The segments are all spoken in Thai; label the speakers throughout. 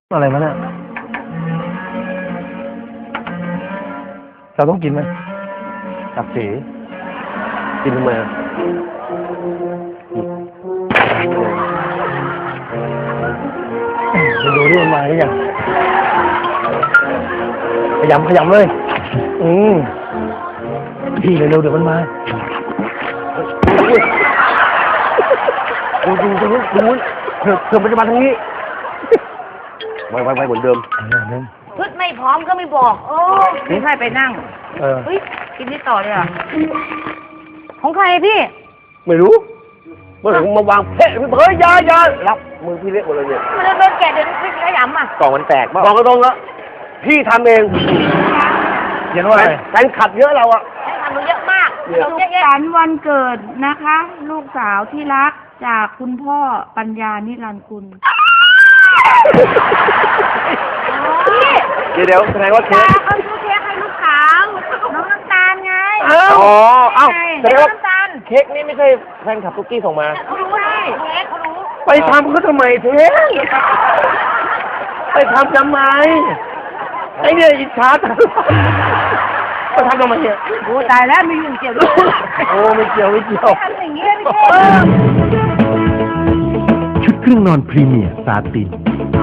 Speaker 1: อะไรมาเนี่ยเราต้องกินไหมกับสีกินทำไมอ่ะดูที่มันมาหรือยังขยำเลยพี่เร็วๆเดี๋ยวมันมาดูเธอมันจะมาทางนี้ไว้เหมือนเดิม
Speaker 2: พืชไม่พร้อมก็ไม่บอกโอ้พี่ใครไปนั่งเฮ้ยกินที่ต่อเลยอ่ะของใครพี่
Speaker 1: ไม่รู้เมื่อผมมาวางเพ่เฮ้ยยารับมือพี่เล็กหมดเลยเนี่ย
Speaker 2: มันโดนแกะเดี๋ยวพี่ขยำอ่ะ
Speaker 1: กล่องมันแตกกล่องก็ตรงแล้วพี่ทำเองเห็นว่าแฟนขับเยอะเราอ่ะ
Speaker 2: แฟนขับเยอะมาก
Speaker 3: สุขสันต์วันเกิดนะคะลูกสาวที่รักจากคุณพ่อปัญญานิรันดร์กุล
Speaker 1: เดี๋ยวแสดงว่าเค้ก
Speaker 3: เขาซื้อเค้กให้ลูกสาวน้องน้ำตาลไง
Speaker 1: แสดงว่าเค้กนี่ไม่ใช่แฟนขับตุ๊กกี้ส่งมา
Speaker 2: เขารู้ได้เค้กเขารู้
Speaker 1: ไปทำเขาทำไมเค้กไปทำไมไอ้เนี่ยอิจฉาจังไปทำไมเนี่ย
Speaker 2: โอ้ตายแล้วมีอยู่เกี่ยวด้วย
Speaker 1: โอ้ไม่เกี่ยว
Speaker 2: ทำอย่างนี้ไม่ใช่
Speaker 4: ชุดเครื่องนอนพรีเมียร์ซาติน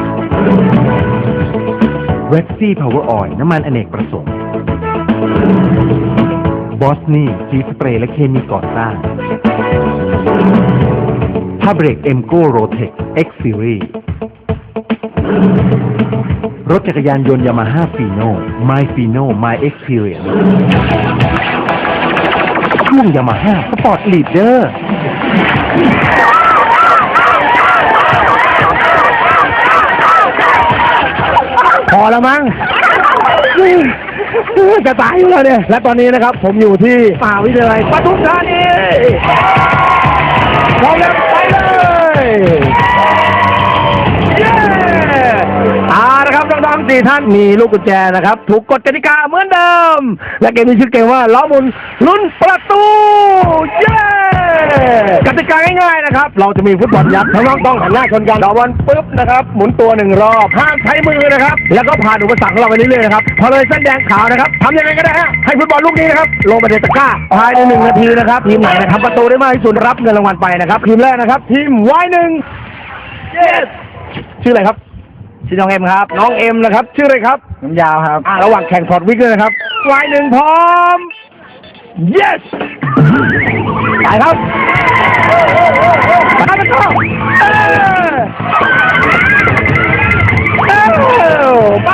Speaker 4: เว็กซี่พาวเวอร์ออยล์น้ำมันอเนกประสงค์บอสนี่สีสเปรย์และเคมีก่อสร้างผ้าเบรกเอ็มโก้โรเทคเอ็กซ์ซีรีส์รถจักรยานยนต์ยามาฮ่าฟีโน่ไมฟีโน่ไมเอ็กซ์เพรียนช่วงยามาฮ่าสปอร์ตลีดเดอร์
Speaker 1: พอแล้วมั้งจะตายอยู่แล้วเนี่ยและตอนนี้นะครับผมอยู่ที่มหาวิทยาลัยปทุมธานีพร้อมแล้วไปเลยนะครับน้องๆ4ท่านมีลูกกุญแจนะครับถูกกฎกติกาเหมือนเดิมและเกมนี้ชื่อเกมว่าล้อหมุนลุ้นประตูเย้กติกาง่ายๆนะครับเราจะมีฟุตบอลยักษ์น้องๆต้องหันหน้าชนกันต่อบอลปุ๊บนะครับหมุนตัว1รอบห้ามใช้มือนะครับแล้วก็ผ่านอุปสรรคของเราไปเรื่อยๆนะครับพอเลยเส้นแดงขาวนะครับทำยังไงก็ได้ให้ฟุตบอลลูกนี้นะครับลงไปในตะกร้าภายใน1 นาทีนะครับทีมไหนนะครับประตูได้มากที่สุดรับเงินรางวัลไปนะครับทีมแรกนะครับทีม Y1 ชื่ออะไรครับชื่อน้องเอ็มครับน้องเอ็มนะครับชื่ออะไรครับน้ำยาวครับระหว่างแข่งถอดวิกเลยนะครับY1พร้อม yes ไปครับไปกันต่อไป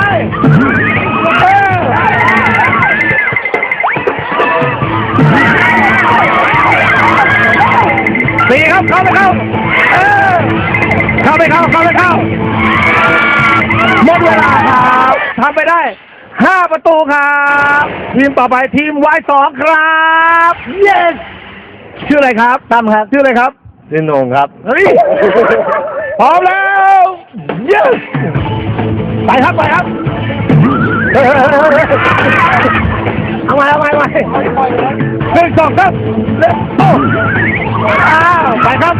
Speaker 1: สี่ครับเข้าไม่เข้าหมดเวลาครับทำไปได้5 ประตูครับทีมต่อไปทีม Y2 ครับ yes ชื่ออะไรครับตั้มครับชื่ออะไรครับชื่อโหน่งครับเฮ้ยพร้อมแล้ว yes ไปครับเอาใหม่1 2 3ไปครับ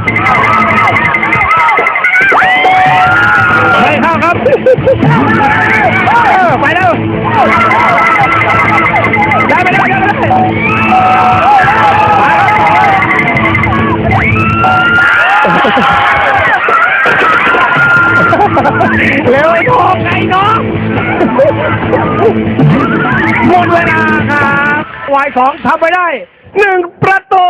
Speaker 1: ไปเข้าครับไปแล้วได้ไปเร็วไอ้ทองไอ้น้องหมดเวลาครับY2ทำไปได้1 ประตู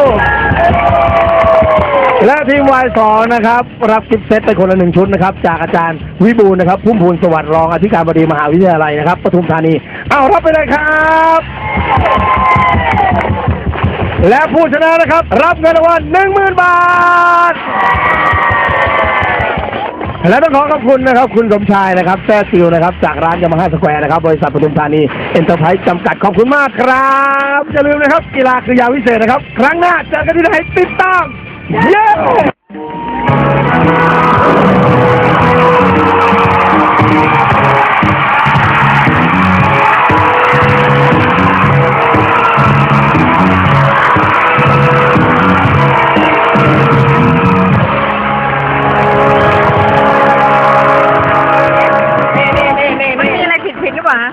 Speaker 1: และทีม Y2 นะครับรับกิฟต์เซตไปคนละ1 ชุดนะครับจากอาจารย์วิบูลย์นะครับพุ่มพูนสวัสดิ์รองอธิการบดีมหาวิทยาลัยนะครับปทุมธานีเอารับไปเลยครับและผู้ชนะนะครับรับเงินรางวัล 10,000 บาทและต้องขอขอบคุณนะครับคุณสมชายนะครับแซ่ซิลนะครับจากร้านยามาฮ่าสแควร์นะครับบริษัทปทุมธานีเอ็นเตอร์ไพรส์จำกัดขอบคุณมากครับอย่าลืมนะครับกีฬาคือยาวิเศษนะครับครั้งหน้าเจอกันที่ไหนติดตามเย้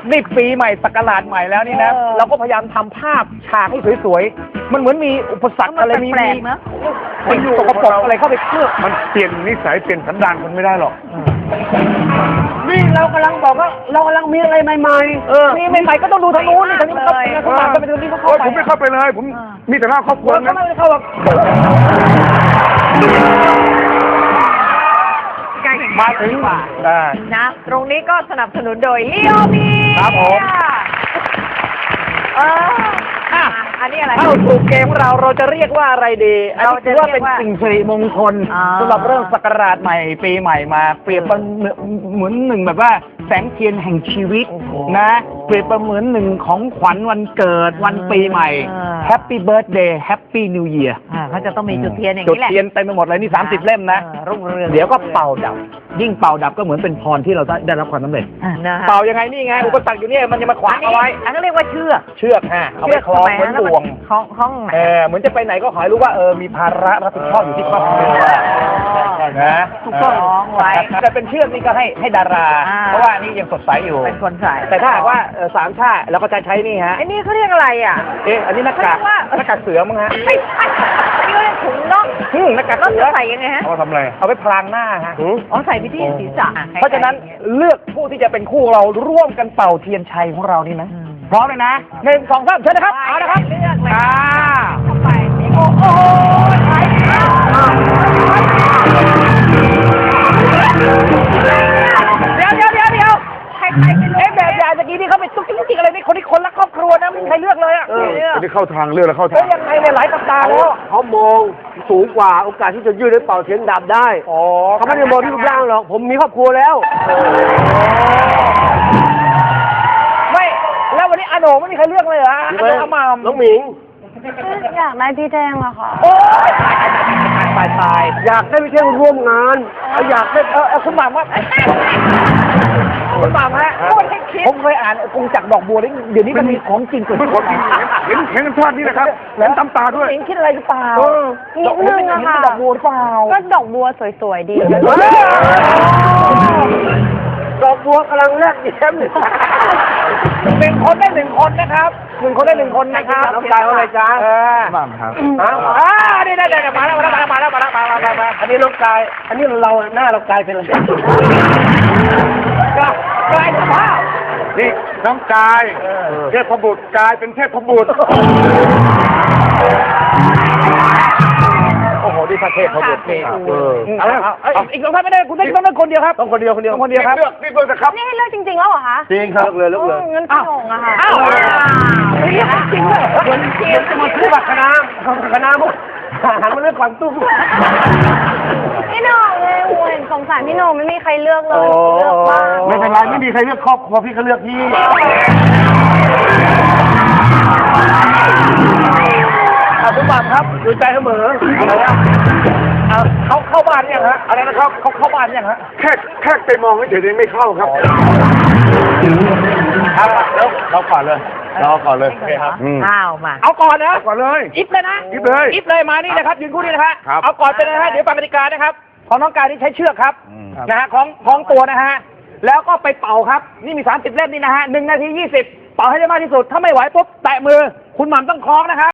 Speaker 1: นี่ปีใหม่ศักราชใหม่แล้วนี่นะเราก็พยายามทำภาพฉากให้สวยๆมันเหมือนมีอุปสรรคอะไรมี
Speaker 2: แปลกๆนะ
Speaker 1: สิ่งสกปรกอะไรเข้าไปเคลือบ
Speaker 5: มันเปลี่ยนนิสัยเปลี่ยนสันดานคนไม่ได้หรอก
Speaker 1: นี่เรากำลังบอกว่าเรากำลังมีอะไรใหม่ๆมีใหม่ๆก็ต้องดูทางนู้นนี่ทางนี้เขาเข้ามาก็ไปดูนี่เขาเข้า
Speaker 5: โอ้ย
Speaker 1: ไป
Speaker 5: ผมไม่เข้าไปเลย ผมมีแต่หน้าครอบครัว
Speaker 1: เราก็
Speaker 5: นะ
Speaker 1: ไม่ได้เข้าหรอก
Speaker 5: มาถึงได้
Speaker 2: นะ ตรงนี้ก็สนับสนุนโดยลีโอมี
Speaker 1: ครับผม
Speaker 2: อันนี้อะไร
Speaker 1: เข้าสู่เกมเราจะเรียกว่าอะไรดีอันนี้ถือว่าเป็นสิ่งสิริมงคล
Speaker 2: อ่า
Speaker 1: สำหรับเริ่มศักราชใหม่ปีใหม่มาเปรียบเหมือนหนึ่งแบบว่าแสงเทียนแห่งชีวิตนะเปรียบเหมือนหนึ่งของขวัญวันเกิดวันปีใหม่ Happy Birthday Happy New Year
Speaker 2: เขาจะต้องมีจุดเทียนอย่าง
Speaker 1: จุด
Speaker 2: นี้แหละ
Speaker 1: เทียนเต็มไปหมดเลยนี่30 เล่มนะ
Speaker 2: รุ่งเรือง
Speaker 1: เดี๋ยวก็เป่าดับ ยิ่งเป่าดับก็เหมือนเป็นพรที่เราได้รับความสำเร็จ
Speaker 2: นะฮะ
Speaker 1: เป่ายังไงนี่ไงอุปสรรคอยู่เนี่ยมันจะมาขวางเอาไว้
Speaker 2: อันนี้เรียกว่าเชือก
Speaker 1: เชือกฮะเอาไปคล้องเหมือนบ่วง
Speaker 2: คล้องไหน
Speaker 1: เหมือนจะไปไหนก็ขอให้รู้ว่ามีภาระรับผิดชอบอยู่ที่ครอบครัวนะ
Speaker 2: ถูกต้องไว้
Speaker 1: แต่เป็นเชือกนี่ก็ให้ดารา เพราะว่านี่ยังสดใสอยู่
Speaker 2: เป็นคนใส่
Speaker 1: แต่ถ้าหากว่าสามชาติเราก็จะใช้นี่ฮะ
Speaker 2: ไอ้นี่เขาเรียกอะไรอ่ะ
Speaker 1: อันนี้หน้ากากหน้ากากเสือมั้งฮะ
Speaker 2: ไม่ใช่อันนี้เขาเรียกถุงน่อง
Speaker 1: หน้ากาก
Speaker 2: น่อง
Speaker 1: เสื
Speaker 2: จะ
Speaker 1: อ
Speaker 2: ใส่ยังไงฮะ
Speaker 5: เอามาทำอะไร
Speaker 1: เอาไปพรางหน้าฮะ
Speaker 2: อ๋อใส่ไปที่ศีรษะ
Speaker 1: เพราะฉะนั้นเลือกผู้ที่จะเป็นคู่เราร่วมกันเป่าเทียนชัยของเรานี่นะพร้อมเลยนะ1 2 3เชิญนะครับเอาละครับ
Speaker 2: เลือกเลย
Speaker 1: เข้าไป
Speaker 2: โอ้โหใช่เดี๋ยวใครไปเลือก
Speaker 1: แบบอย่างเมื่อกี้ที่เขาไปตุ๊กติ๊กอะไรนี่คนที่คนรักครอบครัวนะไม่มีใครเลือกเลยอ่ะ
Speaker 5: อันนี้เข้าทางเลือกแล้วเข้าทาง
Speaker 1: ยังไงเนี่ยหลายสัปดาห์แล้ว
Speaker 6: เขามองสูงกว่าโอกาสที่จะยืดให้เป่าเทียนดับได้ เขาไม่ได้มองที่รูปร่างหรอก ผมมีครอบครัวแล้ว
Speaker 1: ไม่แล้ววันนี้อาโหนไม่มีใครเลือกเลยเหรออาโหนอามาม
Speaker 6: น้องหมิง
Speaker 3: อยากได้พี่แดงอะค่ะ
Speaker 1: โอ้ยตาย
Speaker 6: อยากได้ไปเที่ยวร่วมงาน
Speaker 1: อยากได้คุณหม่ำว่าคุณหม่ำฮะผมเคยอ่านกงจักรดอกบัวนี่เดี๋ยวนี้มันมีของจริงเกิดขึ้น
Speaker 5: เห็นกันภาพนี้นะครับแหลมตำตาด้วย
Speaker 1: เองคิดอะไรหรือเปล่า
Speaker 3: นิดนึงอะค่ะ
Speaker 1: ดอกบัวหรือเปล่า
Speaker 3: ก็ดอกบัวสวยๆดี
Speaker 6: ดอกบัวกำลังแลกแย้มเลย
Speaker 1: 1 คนได้ 1 คนนะครับ1 คนได้ 1 คนนะครับ
Speaker 6: น้องกายว่าไงจ๊ะ
Speaker 5: บ้างครับ
Speaker 1: นี่ได้มาแล้ว
Speaker 6: อันนี้น้องกาย อันนี้เราหน้าเรากลายเป็นอะไร
Speaker 1: กลายสภาพ
Speaker 5: นี่น้องกายเทพบุตรกลายเป็นเทพบุตร
Speaker 1: โอ้โหดีพระเทพเขาเดือดนี่อีก2 ท่านไม่ได้คุณต้องเลือกคนเดียวครับต้องคนเดียวต้องคนเดียวครับ
Speaker 5: เลือกนี่เลือกนะครับ
Speaker 3: นี่ให้เลือกจริงๆแล้วเหรอคะ
Speaker 6: จริงครับเลยแล้วเลย
Speaker 3: งั้นพี่หน่งอะค่ะ
Speaker 1: อ้าวเรียกจริงเลยเหมือนเกมจะมาซื้อบัตรคณะ
Speaker 6: คณะมุกหันมาเลือกความตุ้ม
Speaker 3: พี่หน่งเลยโอ้เห็นสงสารพี่หน่งไม่มีใครเลือกเลยเลือกบ้าง
Speaker 5: ไม่เป็นไรไม่มีใครเลือกครอบครัวพี่ก็เลือกพี่
Speaker 1: คุณบัตรครับดูใจเสมอเขาเข้าบ้านยังฮะอะไรนะครับเขาเข้าบ้านยังฮะ
Speaker 5: แค่ไปมองเฉยๆไม่เข้าครับ
Speaker 1: แล้วเราก่อนเลย
Speaker 5: เราก่อนเลย
Speaker 1: ครับ
Speaker 2: ข้าวมา
Speaker 1: เอาก่อนนะ
Speaker 5: ก่อนเลย
Speaker 1: อิฟเลยนะ
Speaker 5: อิฟเลย
Speaker 1: อิฟเลยมานี่นะครับยืนคู่นี่นะครับ
Speaker 5: ครับ
Speaker 1: เอาก่อนไปเลยนะฮะเดี๋ยวฟังกติกานะครับของน้องกายที่ใช้เชือกครับนะฮะของตัวนะฮะแล้วก็ไปเป่าครับนี่มี30 เล่มนี่นะฮะ1 นาที 20 เป่าให้ได้มากที่สุดถ้าไม่ไหวปุ๊บแตะมือคุณหม่ำต้องคล้องนะครับ